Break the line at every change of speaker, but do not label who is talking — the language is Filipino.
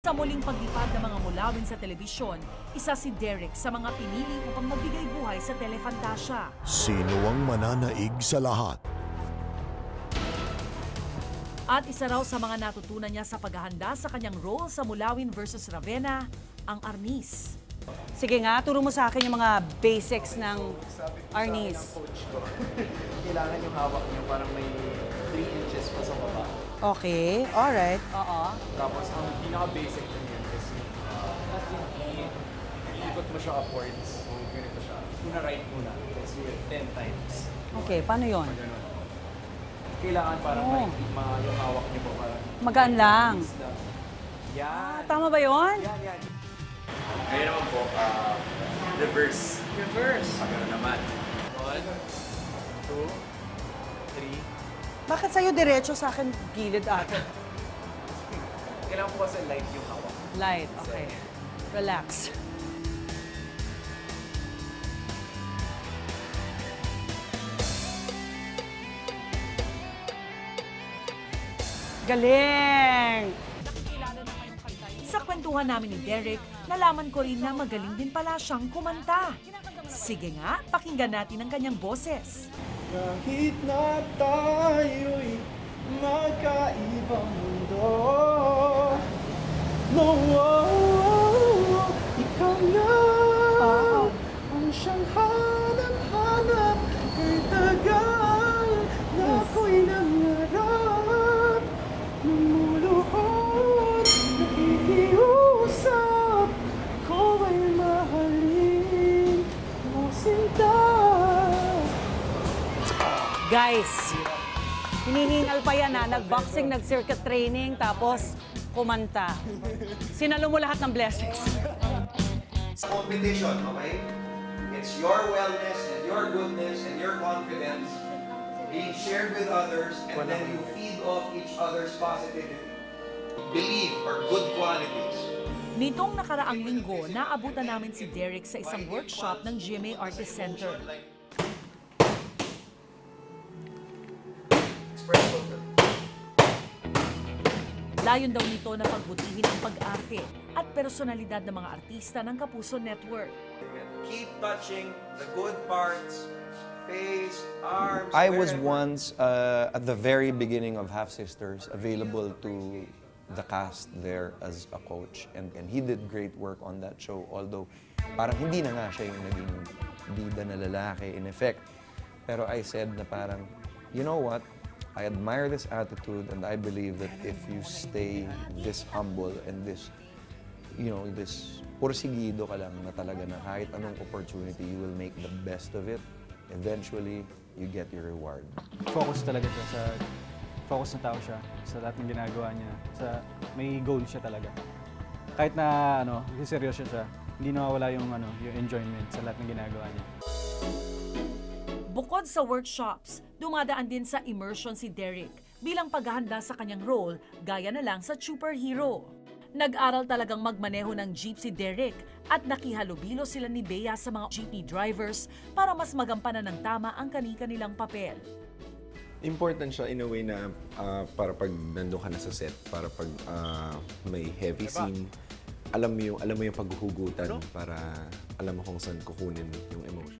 Sa muling paglipad ng mga mulawin sa telebisyon, isa si Derek sa mga pinili upang magbigay buhay sa Telefantasia.
Sino ang mananaig sa lahat?
At isa raw sa mga natutunan niya sa paghahanda sa kanyang role sa Mulawin versus Ravenna, ang Arnis.
Sige nga, turo mo sa akin yung mga basics ng Arnis.
Coach ko. Kailangan yung hawak niyo parang may 3 inches pa sa baba.
Okay, alright. Oo.
Tapos ang pinaka-basic na yun is iikot mo siya upwards. So, ganito siya. Una right muna. Let's do it 10 times.
Okay, paano yun?
Ganun. Kailangan parang yung hawak niyo po parang
Magaan lang.
yan.
Tama ba yun?
Yan. Ngayon naman po, reverse.
Reverse.
Pagano naman. 1, 2, 3.
Bakit sa'yo diretso sa akin gilid ata?
Kailangan po kasi light yung hawak.
Light, okay. Relax. Galing!
Sa kwentuhan namin ni Derek, nalaman ko rin na magaling din pala siyang kumanta. Sige nga, pakinggan natin ang kanyang boses.
Kahit na tayo'y magkaibang mundo, no, ikaw na ang siyang hanap-hanap kay tagal na ako'y nangarap, lumuluhod, nakikiusap, ko ay mahalin mo sinta.
Guys, hinihingal pa yan ha. Nag-boxing, nag-circuit training, tapos kumanta. Sinalo mo lahat ng blessings.
Competition, okay? It's your wellness and your goodness and your confidence being shared with others, and then you feed off each other's positivity. Believe are good qualities.
Nitong nakaraang linggo, naabutan namin si Derek sa isang workshop ng GMA Artist Center. Layon daw nito na pagbutihin ang pag-arte at personalidad ng mga artista ng Kapuso Network.
Keep touching the good parts, face, arms.
I was
wherever.
once at the very beginning of Half Sisters available to the cast there as a coach, and he did great work on that show, although parang hindi na nga siya yung naging bida na lalaki in effect. Pero I said na parang, you know what? I admire this attitude, and I believe that if you stay this humble and this, you know, this porsigido ka lang na talaga na kahit anong opportunity, you will make the best of it. Eventually, you get your reward.
Focus talaga siya sa, focus na tao siya sa lahat ng ginagawa niya. May goal siya talaga. Kahit na, seryoso siya, hindi nawawala yung enjoyment sa lahat ng ginagawa niya.
Bukod sa workshops, dumadaan din sa immersion si Derek bilang paghahanda sa kanyang role, gaya na lang sa superhero. Nag-aral talagang magmaneho ng jeep si Derek at nakihalubilo sila ni Bea sa mga jeepney drivers para mas magampanan ng tama ang kani-kanilang papel.
Important siya in a way na para pag nandun ka na sa set, para pag may heavy scene, alam mo yung paghuhugutan para alam mo kung saan kukunin yung emotion.